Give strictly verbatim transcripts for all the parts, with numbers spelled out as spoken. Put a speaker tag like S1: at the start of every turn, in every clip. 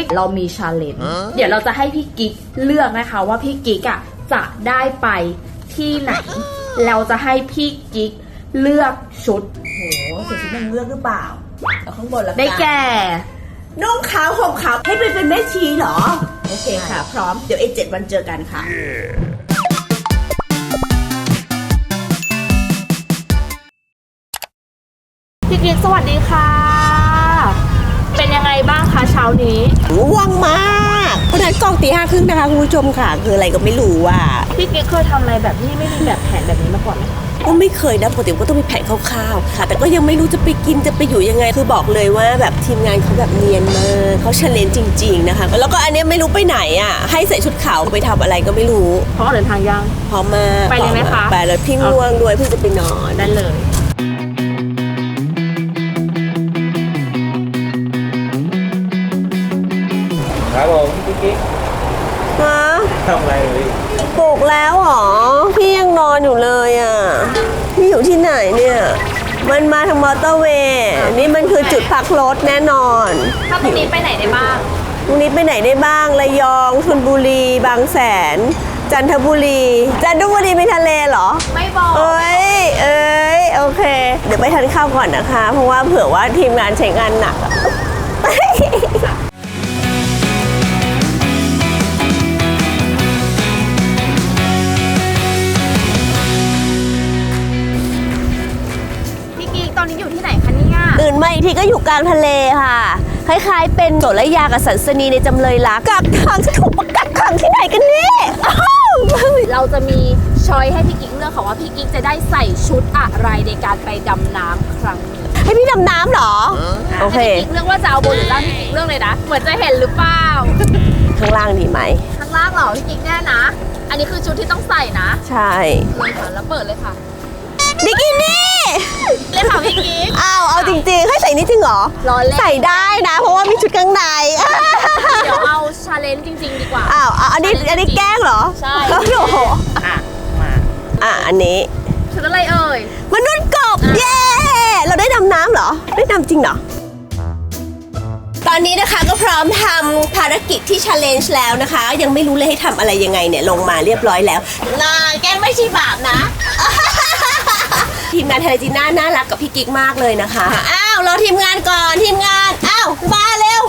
S1: เรามีชาเลนจ์เดี๋ยวเราจะให้พี่กิ๊กเลือกนะคะว่าพี่กิ๊กอ่ะจะได้ไปที่ไหนเราจะให้พี่กิ๊กเลือกชุด
S2: โหใส่ชุดนางเลือกหรือเปล่าเอาข้างบนแล้ว
S1: ได้แก่
S2: นุ่งขาวห่มขาวให้ไปเป็นแม่ชีเหรอโอเคค่ะพร้อมเดี๋ยวไอ้เจ็ดวันเจอกันค่ะ yeah.
S1: พี่กิ๊กสวัสดีค่ะเป็นยังไงบ้างคะเช้านี้
S2: ง่วงมากเพราะนั้นกองตีห้าครึ่งนะคะคุณผู้ชมค่ะคืออะไรก็ไม่รู้ว่า
S1: พี่กิ๊กเคยทำอะไรแบบที่ไม่มีแบบแผนแบบนี้มาก่อนไหมคะ
S2: ก็ไม่เคยนะปกติก็ต้องมีแผนคร่าวๆค่ะแต่ก็ยังไม่รู้จะไปกินจะไปอยู่ยังไงคือบอกเลยว่าแบบทีมงานเขาแบบเนียนมากเขาเชลเลนจริงๆนะคะแล้วก็อันนี้ไม่รู้ไปไหนอ่ะให้ใส่ชุดขาวไปทำอะไรก็ไม่รู้
S1: เพราะเดินทางยัง
S2: พร้อมมา
S1: ไปเลยไหมคะ
S2: ไปเลยพี่ง่วงด้วยเพิ่งจะไปนอน
S1: ได้เลย
S3: ครับผมพี่กิ๊ก
S2: ฮะ
S3: ทำอะไรเลย
S2: ปลุกแล้วหรอพี่ยังนอนอยู่เลยอ่ะพี่อยู่ที่ไหนเนี่ยมันมาทางมอเตอร์เวย์นี่มันคือจุดพักรถแน่นอน
S1: ถ้าตรงนี้ไปไหนได้บ้าง
S2: ตรงนี้ไปไหนได้บ้างระยองชลบุรีบางแสนจันทบุรีจันทบุรีมีทะเลเหรอ
S1: ไม่บอก
S2: เอ้ยเอ้ยโอเคเดี๋ยวไปทานข้าวก่อนนะคะเพราะว่าเผื่อว่าทีมงานใช้งานหนัก
S1: ตอนนี้อยู่ที่ไหนคะเนี่ย
S2: ตื่นมาอีกทีก็อยู่กลางทะเลค่ะคล้ายๆเป็นโสระยากับสันสนีในจำเลยรักกักขังจะถูกประกักขังที่ไหนกันเนี่ย
S1: เราจะมีช้อยให้พี่กิ๊กเลือกค่ะว่าพี่กิ๊กจะได้ใส่ชุดอะไรในการไปดำน้ำครั้งนี้
S2: ให้พี่ดำน้ำเหรอโอเค
S1: พี่กิ๊กเลือกว่าจะเอาบนหรือล่างพี่กิ๊กเลือกเลยนะเหมือนจะเห็นหรือเปล่า
S2: ข้างล่างดีไหม
S1: ข้างล่างเหรอพี่กิ๊กแน่นะอันนี้คือชุดที่ต้องใส่นะ
S2: ใช่
S1: เลยค่ะแล้วเปิดเลยค่ะ
S2: บิกินี่
S1: เลยค่ะพี่กิ๊ก
S2: อ้าวเอาจริงๆให้ใส่นี่จริงเหรอใส่ได้นะเพราะว่ามีชุดข้างใน
S1: เดี๋ยวเอาชาเลนจ์จริงๆดีกว่า
S2: อ้าวอันนี้อันนี้แกล้งเหรอ
S1: ใช่
S2: โอ้โห
S1: อ่ะมา
S2: อ่ะอันนี้
S1: ชุดอะไรเอ่ย
S2: มนุษย์กบเย้เราได้ดำน้ำเหรอได้ดำจริงเหรอตอนนี้นะคะก็พร้อมทำภารกิจที่ challenge แล้วนะคะยังไม่รู้เลยให้ทำอะไรยังไงเนี่ยลงมาเรียบร้อยแล้วน่าแกไม่ใช่บาปนะทีมงานเทเลจีน่าน่ารักกับพี่กิ๊กมากเลยนะคะอ้าวรอทีมงานก่อนทีมงานอ้าวมาเร็ว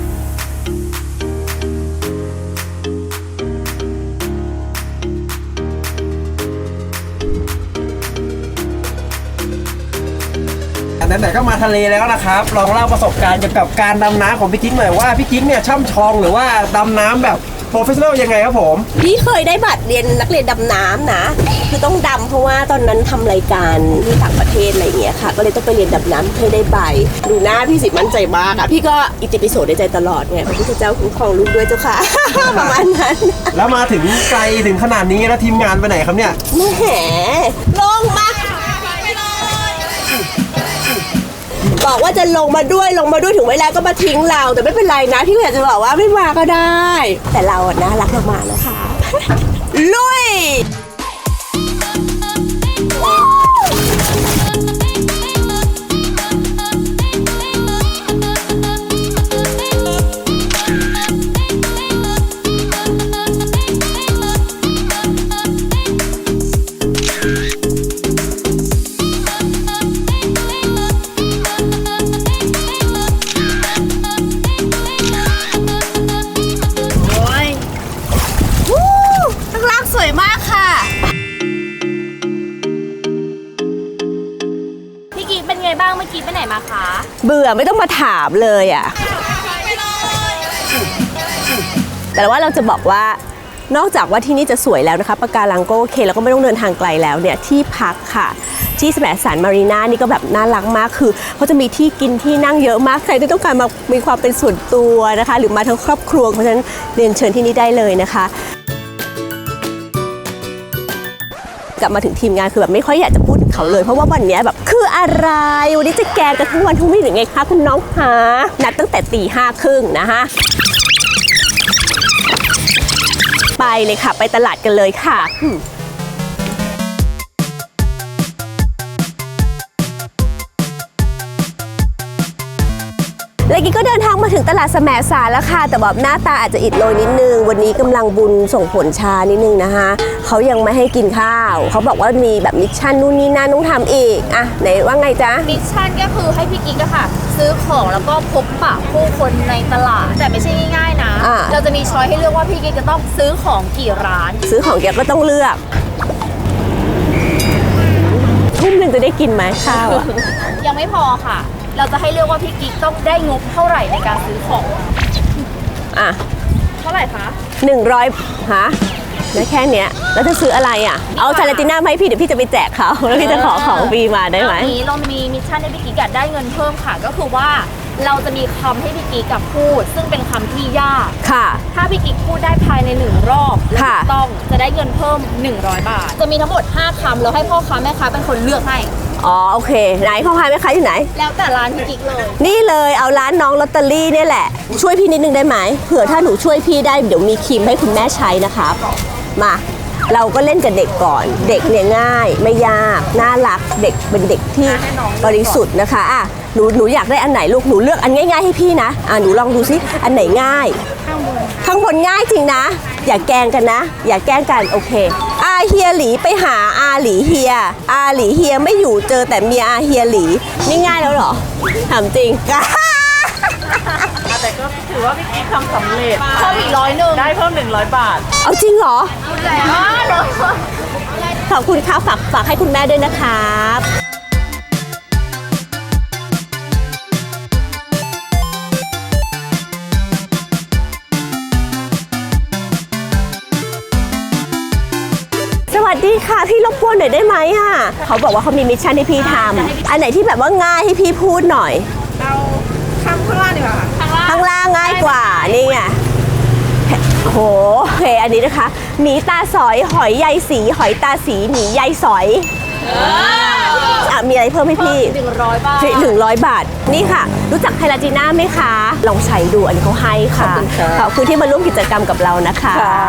S3: ไหนๆก็มาทะเลแล้วนะครับลองเล่าประสบการณ์เกี่ยวกับการดำน้ำของพี่กิ๊กหน่อยว่าพี่กิ๊กเนี่ยช่ำชองหรือว่าดำน้ำแบบโปรเฟชชั่นอลยังไงครับผม
S2: พี่เคยได้บัตรเรียนนักเรียนดำน้ำนะคือต้องดำเพราะว่าตอนนั้นทำรายการที่ต่างประเทศอะไรเงี้ยค่ะก็เลยต้องไปเรียนดำน้ำเพื่อได้ใบดูหน้าพี่สิมั่นใจมากอะพี่ก็อิติปิโสในใจตลอดไงพระพุทธเจ้าคุ้มครองลูกด้วยเจ้าค่ะ ประมาณนั้น
S3: แล้วมาถึงไกลถึงขนาดนี้แล้วทีมงานไปไหนครับเนี่ย
S2: แหมลงมาบอกว่าจะลงมาด้วยลงมาด้วยถึงเวลาก็มาทิ้งเราแต่ไม่เป็นไรนะพี่อยากจะบอกว่าไม่มาก็ได้แต่เราอ่ะน่ารักมากๆนะคะลุยเบื่อไม่ต้องมาถามเลยอ่ะแต่ว่าเราจะบอกว่านอกจากว่าที่นี่จะสวยแล้วนะคะปะการังก็โอเคแล้วก็ไม่ต้องเดินทางไกลแล้วเนี่ยที่พักค่ะที่แสมสารมารีนานี่ก็แบบน่ารักมากคือเขาจะมีที่กินที่นั่งเยอะมากใครที่ต้องการมามีความเป็นส่วนตัวนะคะหรือมาทั้งครอบครัวเพราะฉะนั้นเรียนเชิญที่นี่ได้เลยนะคะกลับมาถึงทีมงานคือแบบไม่ค่อยอยากจะพูดถึงเขาเลยเพราะว่าวันนี้แบบคืออะไรวันนี้จะแกงกันทั้งวันทั้งวี่หรือไงคะคุณน้องคะนัดตั้งแต่ตีห้าครึ่งนะคะไปเลยค่ะไปตลาดกันเลยค่ะ นแล้วกิ๊กก็เดินทางมาถึงตลาดแสมสารแล้วค่ะแต่แบบหน้าตาอาจจะอิดโรยนิดนึงวันนี้กำลังบุญส่งผลช้านิดนึงนะคะเขายังไม่ให้กินข้าวเขาบอกว่ามีแบบมิชชั่นนู่นนี่นั่นต้องทำอีกอ่ะไหนว่าไงจ๊ะ
S1: มิชชั่นก็คือให้พี่กิ๊กอะค่ะ ซื้อของแล้วก็พบปะผู้คนในตลาด แต่ไม่ใช่ง่ายๆนะ
S2: อ่า
S1: เราจะมีช้อยให้เลือกว่าพี่กิ๊กจะต้องซื้อของกี่ร้าน
S2: ซื้อของแกก็ต้องเลือกทุ่มหนึ่งจะได้กินไหมข้าวอะ
S1: ยังไม่พอค่ะ เราจะให้เลือกว่าพี่กิ๊กต้องได้งบเท่าไหร่ในการซื้อของ
S2: อ่ะ
S1: เท่าไหร่คะ
S2: หนึ่งร้อยฮะแล้วแค่เนี้ยแล้วจะซื้ออะไรอ่ะเอาชาลาติน่ามาให้พี่เดี๋ยวพี่จะไปแจกเขาแล้วพี่จะขอของฟรีมาได้ไหม
S1: ตอนนี้เรามีมิชชั่นให้พี่กิ๊กอะได้เงินเพิ่มค่ะ ก็คือว่าเราจะมีคำให้พี่กิ๊กกับพูด ซึ่งเป็นคำที่ยาก
S2: ค่ะ
S1: ถ้าพี่กิ๊กพูดได้ภายในหนึ่งรอบและ
S2: ค่ะ
S1: ถูกต้องจะได้เงินเพิ่มหนึ่งร้อยบาท จะมีทั้งหมดห้าคำแล้วให้พ่อค้าแม่ค้าเป็นคนเลือกให้
S2: อ๋อโอเคไหนพ่อค้าแม่ค้าอยู่ไหน
S1: แล้วแต่ร้านพี่กิ๊กเลย
S2: นี่เลยเอาร้านน้องลอตเตอรี่เนี่ยแหละ ช่วยพี่นิดนึงได้ไหมเผื่อถ้าหนูช่วยพี่ได้เดี๋ยวมีครีมให้คุณแม่ใช้นะครับมาเราก็เล่นกับเด็กก่อน เด็กเนี่ยง่ายไม่ยากน่ารักเด็กเป็นเด็กที่บริสุทธิ์นะคะอ่ะหนูหนูอยากได้อันไหนลูกหนูเลือกอันง่ายๆให้พี่นะอ่ะหนูลองดูซิอันไหนง่าย ข้างบนข้างบนง่ายจริงนะ อย่าแกล้งกันนะ อย่าแกล้งกันโอเคอาเฮียหลีไปหาอาหลีเฮียอาหลีเฮียไม่อยู่เจอแต่เมียอาเฮียหลีนี่ง่ายแล้วเหรอถามจริง
S4: แต่ก็ถือว่าพี่กิ๊กทำสำเร็จ
S1: เพิ่มอีกร้อยหนึ่ง
S4: ได้เพิ่มหนึ่งร้อยบาท
S2: เอาจริงเหรอ
S1: แล้ว
S2: ขอบคุณครับฝากฝากให้คุณแม่ด้วยนะครับสวัสดีค่ะพี่รบกวนหน่อยได้ไหมอ่ะเขาบอกว่าเขามีมิชชั่นให้พี่ทำอันไหนที่แบบว่าง่ายให้พี่พูดหน่อย
S4: เอาข้างข้างล่างดีกว่าค่ะ
S2: ข้างล่างง่ายกว่านี่ไงโหโอเคอันนี้นะคะหมีตาสอยหอยใยสีหอยตาสีหมีใยสอยอ่ะมีอะไรเพิ่มให้พี่
S1: หนึ่งร้อยบาท
S2: หนึ่งร้อยบาทนี่ค่ะ รู้จักไฮลาจีน่าไหมคะ ลองใช้ดูอันนี้เขาให้ค่ะ
S3: ขอบคุณครับ
S2: ขอบคุณที่มาร่วมกิจกรรมกับเรานะคะ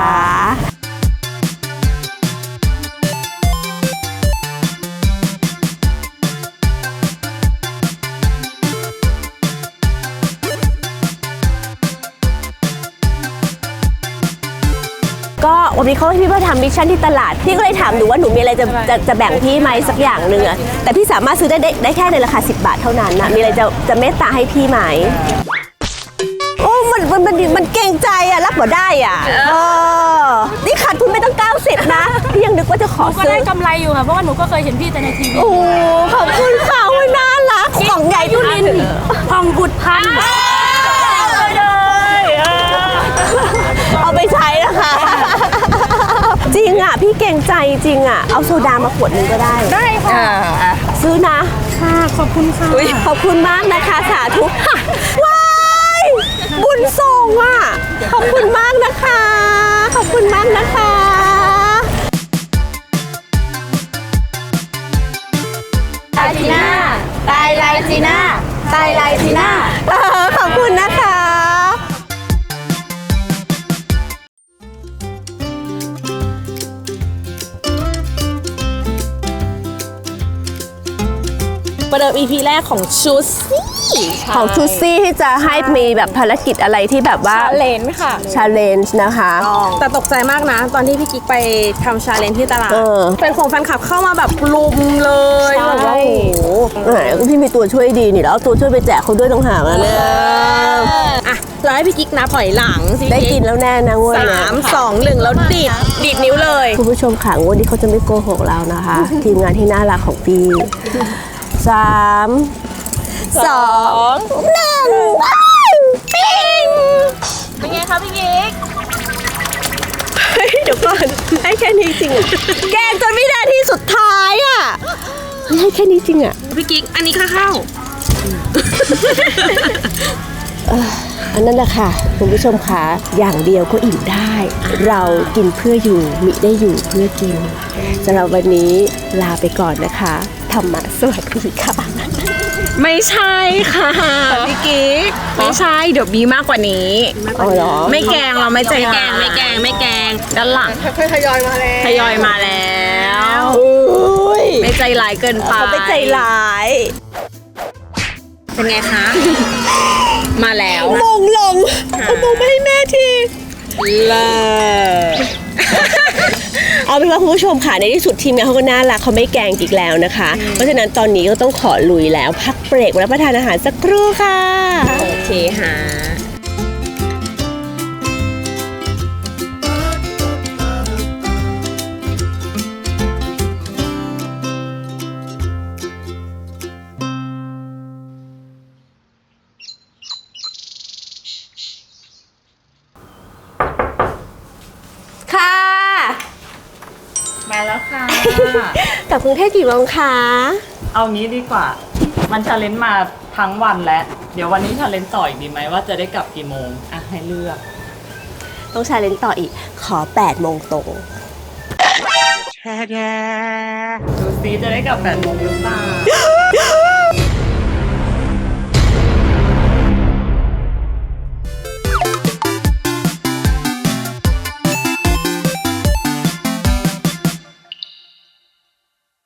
S2: ก็วันนี้เขาให้พี่มาทำมิชชั่นที่ตลาด พี่ก็เลยถามหนูว่าหนูมีอะไรจะจะจะแบ่งพี่ไหมสักอย่างหนึ่งอะแต่พี่สามารถซื้อได้ได้ได้แค่ในราคาสิบบาทเท่านั้นนะมีอะไรจะจะเมตตาให้พี่ไหม โอ้มันมันมันมันเกรงใจอะรับบ่ได้อ่ะเออนี่ขาดทุนไปตั้งเก้าสิบนะพี่ยังนึกว่าจะขอ
S5: ก็
S2: ซื้อ
S5: ได้กำไรอยู่ค่ะ เพราะว่าหนูก็เคยเห็นพี่แต่ในทีวี
S2: โอ้ขอบคุณค่ะโอ้ยน่ารักของใหญ่ทุลิน
S5: พองบุตรพันธุ์
S2: เอาไปใช้นะคะ จริงอ่ะ พี่เก่งใจจริงอ่ะ เอาโซดามาขวดนึงก็ได้
S5: ได้ค่ะ
S2: ซื้อนะ
S5: ค่ะ ขอบคุณค่ะ
S2: ขอบคุณมากนะคะสาธุว้ายบุญส่งอ่ะ ขอบคุณมากนะคะ ขอบคุณมากนะคะ
S1: ไลจีน่าตายไลจีน่าตายไลจีน่า
S2: เออขอบคุณนะคะ
S5: ประเดิม อี พี แรกของชูซี่
S2: ของทูซี่ที่จะให้มีแบบภารกิจอะไรที่แบบว่า
S5: เลนค่ะ
S2: ชาเลนจ์นะคะ
S5: แต่ตกใจมากนะ ตอนที่พี่กิ๊กไปทำชาเลนจ์ที่ตลาด
S2: เออ
S5: เป็นของแฟนคลับเข้ามาแบบลุมเลย
S2: ใช่
S5: แบบว่าโอ้โห
S2: แหมพี่มีตัวช่วยดีนี่แล้วเอาตัวช่วยไปแจกเขาด้วยต้องหากแล้วเนี่ย
S5: อ่ะเราให้พี่กิ๊กนับถอยหลังสิ
S2: ได้กินแล้วแน่นะงวด
S5: สา
S2: เนี้ย
S5: มสองหนึ่งแล้วดีดดีดนิ้วเลย
S2: คุณผู้ชมค่ะงวดนี้เขาจะไม่โกหกเรานะคะ ทีมงานที่น่ารักของพี่สามสองหนึ่งปิ้ง
S1: เป็นไงคะพี่กิ๊ก
S2: เฮ้ยเดี๋ยวก่อนให้แค่นี้จริงอะแกงจนวินาทีสุดท้ายอ่ะเฮ้ยให้แค่นี้จริงอ่ะ
S5: พี่กิ๊กอันนี้ค่าเข้า
S2: อันนั้นแหละค่ะคุณผู้ชมคะอย่างเดียวก็อิ่มได้ เรากินเพื่ออยู่มิได้อยู่เพื่อกินสำหรับวันนี้ลาไปก่อนนะคะธรรมะสวัสดีค่ะ
S5: ไม่ใช่ค่ะพี่กิ๊กไม่ใช่เดี๋ยวมีมากกว่านี้
S2: อ๋อเหรอ
S5: ไม่แกงเราไม่ใจแกงไม่แกงไม่แกงด้านหลัง
S4: ค่อยๆทยอยมาแล้ว
S5: ทยอยมาแล้ว
S2: อุ้ย
S5: ไม่ใจร้ายเกินไป
S2: เขาไปใจร้าย
S5: เป็นไงคะ มาแล้ว
S2: มงลงเอามงไปให้แม่ที
S5: เลิศ
S2: เอาเป็นว่าคุณผู้ชมค่ะในที่สุดทีมงานเขาก็น่ารักเขาไม่แกล้งอีกแล้วนะคะ เพราะฉะนั้นตอนนี้ก็ต้องขอลุยแล้วพักเบรกรับประทานอาหารสักครู่ค่ะ
S5: โอเคฮะ
S2: ค่ะ
S4: มาแล้วค่ะ
S2: กลับกรุงเทพกี่โมงคะ
S4: เอางี้ดีกว่า มันชาเลนจ์มาทั้งวันแล้ว เดี๋ยววันนี้ชาเลนจ์ต่ออีกดีไหมว่าจะได้กลับกี่โมง อ่ะ ให้เลือก
S2: ต้องชาเลนจ์ต่ออีกขอแปดโมงตรง
S4: ดูซิจะได้กลับแปดโมงหรือเปล่า